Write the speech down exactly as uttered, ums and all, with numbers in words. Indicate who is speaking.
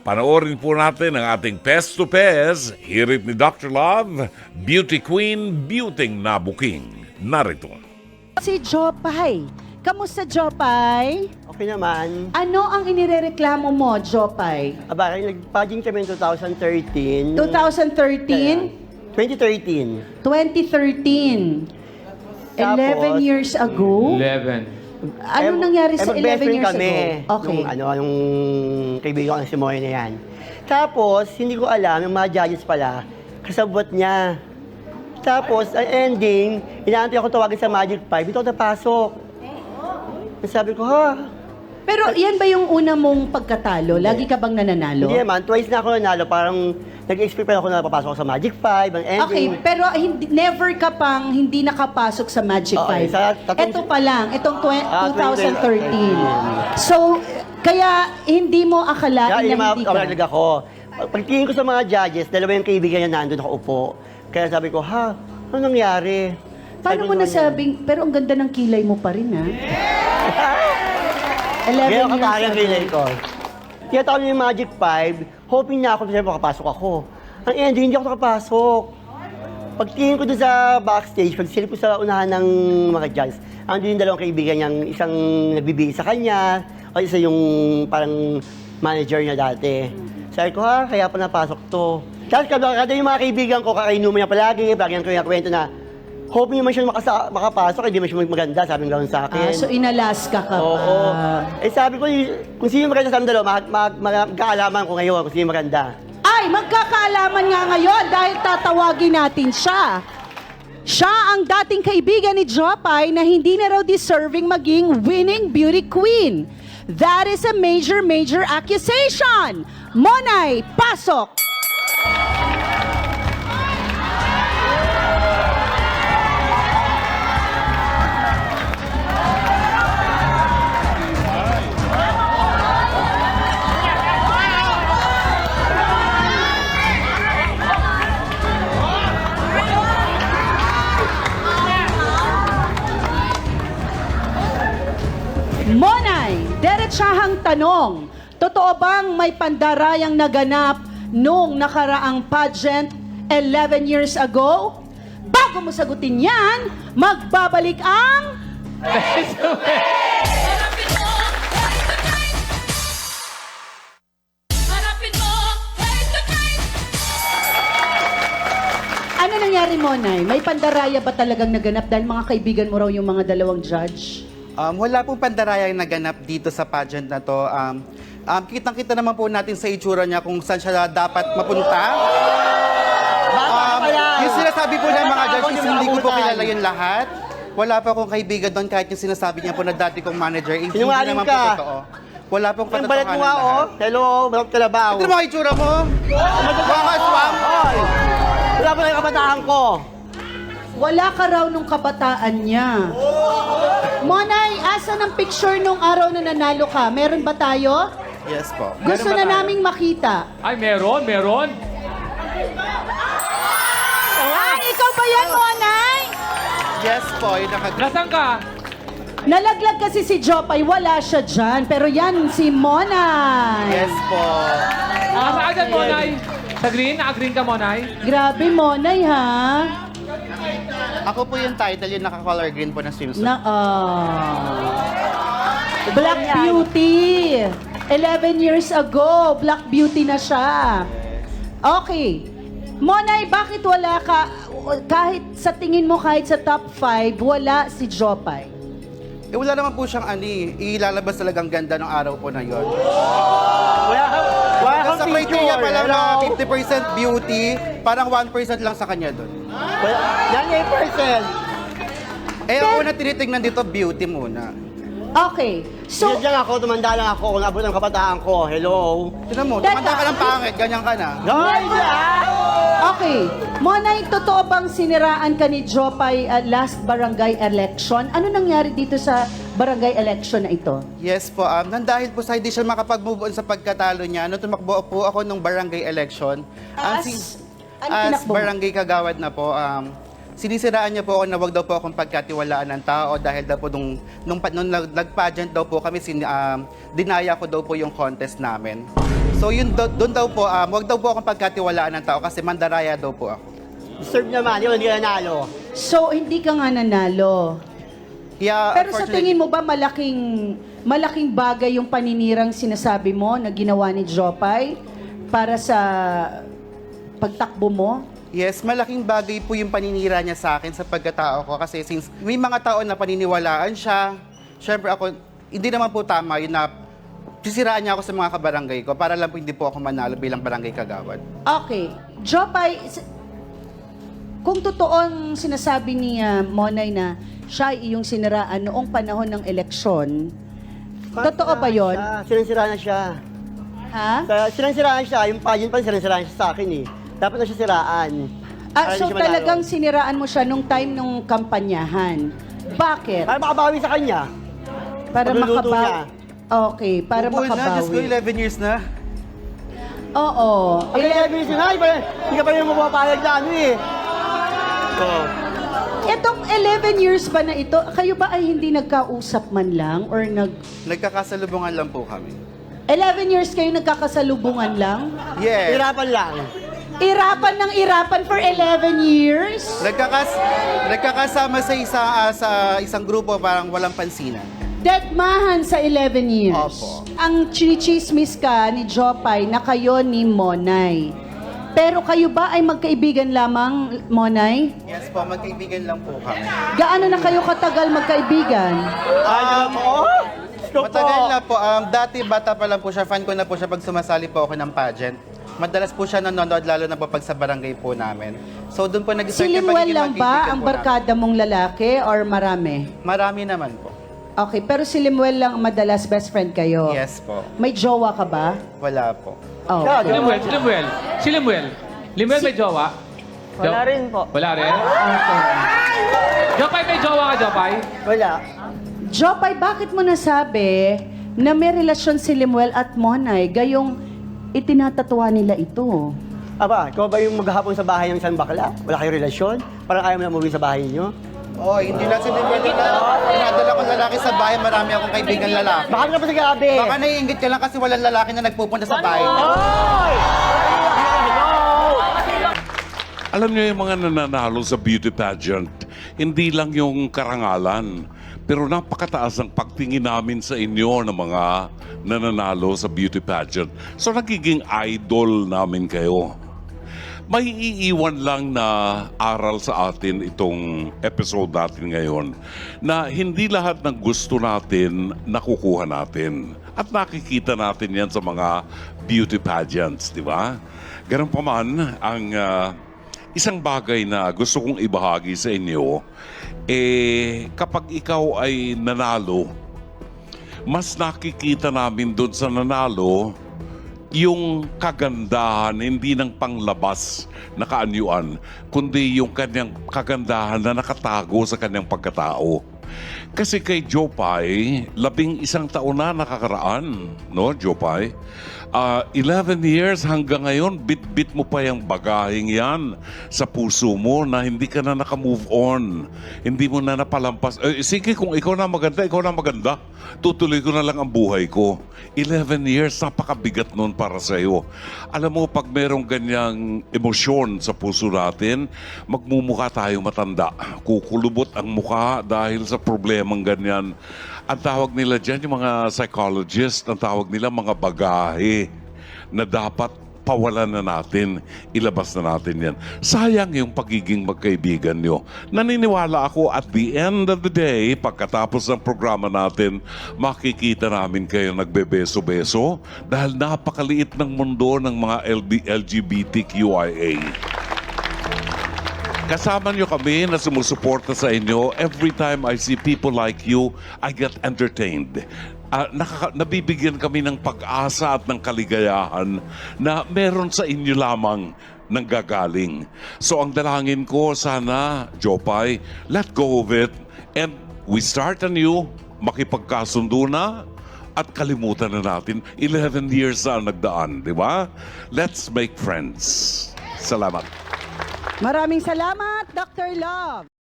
Speaker 1: Panoorin po natin ang ating Pest to Pest, hirit ni Doctor Love, Beauty Queen, Beauty Nabuking. Narito.
Speaker 2: Si Jopay. Kamusta, Jopay?
Speaker 3: Okay naman.
Speaker 2: Ano ang inirereklamo mo, Jopay?
Speaker 3: Aba, nag-paging kami in twenty thirteen.
Speaker 2: twenty thirteen?
Speaker 3: twenty thirteen.
Speaker 2: twenty thirteen.
Speaker 3: Tapos,
Speaker 2: eleven years ago?
Speaker 4: eleven.
Speaker 2: Ano
Speaker 3: Eh,
Speaker 2: nangyari
Speaker 3: eh,
Speaker 2: sa eleven
Speaker 3: mag-best friend
Speaker 2: years
Speaker 3: kami,
Speaker 2: ago? Okay.
Speaker 3: Nung, ano, yung kaibigan ko na si Moy na yan. Tapos, hindi ko alam, yung mga judges pala, kasabot niya. Tapos, ang ending, inaantay ako tawagin sa Magic five, dito ako napasok. Sabi ko, ha?
Speaker 2: Pero yan ba yung una mong pagkatalo? Lagi ka bang nananalo?
Speaker 3: Hindi naman, twice na ako nanalo, parang nag-expect pa ako na papasok ako sa Magic five, ang ending.
Speaker 2: Okay, pero hindi, never ka pang hindi nakapasok sa Magic
Speaker 3: Okay,
Speaker 2: five.
Speaker 3: sa tatong-
Speaker 2: Ito pa lang, itong tw-
Speaker 3: Ah,
Speaker 2: twenty thirteen. So, kaya hindi mo akalain
Speaker 3: Kaya
Speaker 2: na hindi ka.
Speaker 3: imakamalaga ako. Pagtingin ko sa mga judges, dalawa yung kaibigan niya nandun nakaupo. Kaya sabi ko, ha? Ano nangyari?
Speaker 2: Paano
Speaker 3: Sabi
Speaker 2: mo
Speaker 3: ko,
Speaker 2: nasabing, pero ang ganda ng kilay mo pa rin, ha? eleven
Speaker 3: Ngayon
Speaker 2: years
Speaker 3: kakaya
Speaker 2: ago.
Speaker 3: kilay ko. Kaya tawag niya yung Magic five, hoping na ako na makapasok ako. Ang ending, hindi ako nakapasok. Pagtingin ko doon sa backstage, pagsilip ko sa unahan ng mga judges, andun yung dalawang kaibigan niyang isang nagbibigay sa kanya, o isa yung parang manager niya dati. Sabi ko, ha, kaya pa napasok to. Tapos kada, kada yung mga kaibigan ko, kakainuman niya palagi, palagi ko yung kwento na, hoping naman siya makasa, makapasok, hindi man siya maganda, sabi ng gano'n sa akin.
Speaker 2: Ah, so inalaska ka
Speaker 3: Oo.
Speaker 2: pa.
Speaker 3: Eh sabi ko, kung sino maganda sa amin dalawa, mag, mag, mag, magkaalaman ko ngayon kung sino maganda.
Speaker 2: Ay, magkakaalaman nga ngayon dahil tatawagin natin siya. Siya ang dating kaibigan ni Jopay na hindi na raw deserving maging winning beauty queen. That is a major, major accusation. Monay, pasok! Monay, derechahang tanong. Totoo bang may pandarayang naganap nung nakaraang pageant eleven years ago? Bago mo sagutin yan, magbabalik ang... Ano nangyari, Monay? May pandaraya ba talagang naganap dahil mga kaibigan mo raw yung mga dalawang judge?
Speaker 5: Um, wala pong pandaraya yung naganap dito sa pageant na to. Um, um, kitang-kita naman po natin sa itsura niya kung saan siya dapat mapunta. Um, yung sinasabi po ng mga judges, hindi ko po kilala yung lahat. Wala pa akong kaibigan doon kahit yung sinasabi niya po na dati kong manager. Eh, hindi
Speaker 3: Sinungaling
Speaker 5: naman po
Speaker 3: ka.
Speaker 5: totoo. Wala pong
Speaker 3: Ang balat mo
Speaker 5: katotohanan
Speaker 3: nga, oh.
Speaker 5: lahat.
Speaker 3: Hello, balat kalabaw.
Speaker 5: Ito mga itsura mo. Mga swam.
Speaker 3: Hoy! Wala pa lang yung kabataan ko.
Speaker 2: Wala ka raw nung kabataan niya. Monay, asan ang picture nung araw na nanalo ka? Meron ba tayo?
Speaker 5: Yes po.
Speaker 2: Gusto
Speaker 5: Meron ba
Speaker 2: na
Speaker 5: tayo?
Speaker 2: naming makita.
Speaker 4: Ay, meron, meron.
Speaker 2: Ay, ikaw ba yan, Monay?
Speaker 5: Yes po. Yung naka-
Speaker 4: Nasaan ka?
Speaker 2: Nalaglag kasi si Jopay, wala siya dyan. Pero yan, si Monay.
Speaker 5: Yes po.
Speaker 4: Nasa agad, Monay. Sa green? Naka-green ka, Monay?
Speaker 2: Grabe, Monay, ha?
Speaker 5: Ako po yung title, yung naka-color green po na swimsuit.
Speaker 2: Na, ah. Black Beauty. eleven years ago, Black Beauty na siya. Okay. Monay, bakit wala ka, kahit sa tingin mo, kahit sa top five, wala si Jopay?
Speaker 5: Eh, wala naman po siyang ani. Ilalabas talagang ganda ng araw po na yon.
Speaker 3: Wala kang, wala
Speaker 5: Hanggang
Speaker 3: kang
Speaker 5: sa criteria
Speaker 3: picture.
Speaker 5: pa lang na
Speaker 3: Hello?
Speaker 5: fifty percent beauty, parang one percent lang sa kanya doon.
Speaker 3: Wala, yan yung eight percent.
Speaker 5: Eh, ang una tinitignan dito, beauty muna.
Speaker 2: Okay. So,
Speaker 3: So, Diyan ako, tumanda lang ako kung abot ang kabataan ko. Hello?
Speaker 5: Tinan mo,
Speaker 2: Teka.
Speaker 5: tumanda ka ng pangit, ganyan ka na.
Speaker 3: Guys,
Speaker 2: okay. Monay, totoo bang siniraan ka ni Jopay uh, last barangay election? Ano nangyari dito sa barangay election na ito?
Speaker 5: Yes po, um, nang dahil po sa hindi siya makapag-move on sa pagkatalo niya, nung tumakbo po ako nung barangay election,
Speaker 2: As-
Speaker 5: ang si-
Speaker 2: ano
Speaker 5: as
Speaker 2: tinakbo mo?
Speaker 5: barangay kagawad na po, um, sinisiraan niya po ako na wag daw po akong pagkatiwalaan ng tao dahil daw po nung, nung, pa- nung nag- nag-pageant daw po kami, sin, um, dinaya ko daw po yung contest namin. So yun do- doon daw po, um, wag daw po akong pagkatiwalaan ng tao kasi mandaraya daw po ako.
Speaker 3: Deserve naman, yun, hindi ka nanalo.
Speaker 2: So, hindi ka nga nanalo.
Speaker 5: Yeah,
Speaker 2: Pero sa tingin mo ba malaking malaking bagay yung paninirang sinasabi mo na ginawa ni Jopay para sa pagtakbo mo?
Speaker 5: Yes, malaking bagay po yung paninira niya sa akin sa pagkatao ko kasi since may mga tao na paniniwalaan siya, syempre ako, hindi naman po tama yun na sisiraan niya ako sa mga kabarangay ko para lang po hindi po ako manalo bilang barangay kagawad.
Speaker 2: Okay. Jopay, s- kung totoong sinasabi ni ah, Monay na siya ay iyong siniraan noong panahon ng eleksyon, totoo ba yon?
Speaker 3: Sinansiraan na siya.
Speaker 2: Ha?
Speaker 3: Sa- Sinansiraan siya, yung pageant pa sinansiraan siya sa akin eh. Dapat na siya siraan.
Speaker 2: Ah,
Speaker 3: Para
Speaker 2: so
Speaker 3: hindi siya manalo.
Speaker 2: talagang siniraan mo siya nung time nung kampanyahan. Bakit?
Speaker 3: Para makabawi sa kanya.
Speaker 2: Para
Speaker 3: pagluluto
Speaker 2: makabawi.
Speaker 3: niya.
Speaker 2: Okay, para
Speaker 5: Opo na, Diyos ko,
Speaker 2: makabawi.
Speaker 5: eleven years na.
Speaker 2: Oo.
Speaker 3: Ang kaya bilis na, hindi pa- hindi ka pa rin mapapayag na ano eh. Oh.
Speaker 2: Itong eleven years ba na ito, kayo ba ay hindi nagkausap man lang or nag...
Speaker 5: Nagkakasalubungan lang po kami.
Speaker 2: eleven years kayo nagkakasalubungan lang?
Speaker 5: Yes.
Speaker 3: Hirapan lang.
Speaker 2: Irapan ng irapan for eleven years?
Speaker 5: Nagkakas nagkakasama sa isa ah, sa isang grupo parang walang pansinan.
Speaker 2: Deadmahan sa eleven years.
Speaker 5: Opo.
Speaker 2: Ang chinichismis ka ni Jopay na kayo ni Monay. Pero kayo ba ay magkaibigan lamang, Monay?
Speaker 5: Yes po, magkaibigan lang po kami.
Speaker 2: Gaano na kayo katagal magkaibigan?
Speaker 3: Um, oh, Gusto
Speaker 5: Matagal
Speaker 3: po.
Speaker 5: na po. Um, dati bata pa lang po siya. Fan ko na po siya pag sumasali po ako ng pageant. Madalas po siya nanonood lalo na po pag sa barangay po namin. So doon po
Speaker 2: Si
Speaker 5: nag-start yung
Speaker 2: Limuel
Speaker 5: pagiging
Speaker 2: lang
Speaker 5: magkaibigan
Speaker 2: ba ang
Speaker 5: po namin.
Speaker 2: barkada mong lalaki or marami?
Speaker 5: Marami naman po.
Speaker 2: Okay, pero si Limuel lang ang madalas best friend kayo?
Speaker 5: Yes po.
Speaker 2: May jowa ka ba?
Speaker 5: Wala po.
Speaker 2: Oh.
Speaker 3: Siya,
Speaker 4: Si Limuel, si Limuel. Si Limuel. Limuel may jowa?
Speaker 3: Wala
Speaker 4: Jo-
Speaker 3: rin po.
Speaker 4: Wala rin?
Speaker 2: Okay.
Speaker 4: Jopay, may jowa ka, Jopay?
Speaker 3: Wala.
Speaker 2: Jopay, bakit mo nasabi na may relasyon si Limuel at Monay gayong itinatatuwa nila ito?
Speaker 3: Aba, ikaw ba yung maghahapon sa bahay ng isang bakla? Wala kayong relasyon? Parang ayaw mo na umuwi sa bahay niyo?
Speaker 5: Oh, hindi lang si Limuel na pinadala ko lalaki sa bahay. Marami akong kaibigan lalaki.
Speaker 3: Baka ka pa sa gabi.
Speaker 5: Baka naiingit ka lang kasi walang lalaki na nagpupunta sa bahay.
Speaker 3: Oy!
Speaker 1: Alam niyo yung mga nananalo sa beauty pageant, hindi lang yung karangalan, pero napakataas ang pagtingin namin sa inyo ng mga nananalo sa beauty pageant. So nagiging idol namin kayo. May iiwan lang na aral sa atin itong episode natin ngayon na hindi lahat ng gusto natin nakukuha natin. At nakikita natin yan sa mga beauty pageants, di ba? Ganun pa man, ang ah, isang bagay na gusto kong ibahagi sa inyo, eh kapag ikaw ay nanalo, mas nakikita namin doon sa nanalo yung kagandahan, hindi ng panglabas na kaanyuan, kundi yung kanyang kagandahan na nakatago sa kanyang pagkatao. Kasi kay Jopay, labing isang taon na nakakaraan, no, Jopay? Uh, eleven years hanggang ngayon, bit-bit mo pa yung bagaheng yan sa puso mo na hindi ka na nakamove on. Hindi mo na napalampas. Eh, sige, kung ikaw na maganda, ikaw na maganda. Tutuloy ko na lang ang buhay ko. eleven years, napakabigat nun para sa iyo. Alam mo, pag merong ganyang emosyon sa puso natin, magmumukha tayo matanda. Kukulubot ang mukha dahil sa problemang ganyan. Ang tawag nila dyan, yung mga psychologist, ang tawag nila mga bagahe na dapat pawalan na natin, ilabas na natin yan. Sayang yung pagiging magkaibigan nyo. Naniniwala ako at the end of the day, pagkatapos ng programa natin, makikita namin kayo nagbebeso-beso dahil napakaliit ng mundo ng mga L G B T Q I A. Kasama nyo kami na sumusuporta sa inyo. Every time I see people like you, I get entertained. Uh, nakaka- nabibigyan kami ng pag-asa at ng kaligayahan na meron sa inyo lamang nanggagaling. So ang dalangin ko, sana, Jopay, let go of it and we start anew, makipagkasundo na at kalimutan na natin. eleven years na ang nagdaan, di ba? Let's make friends. Salamat.
Speaker 2: Maraming salamat, Doctor Love.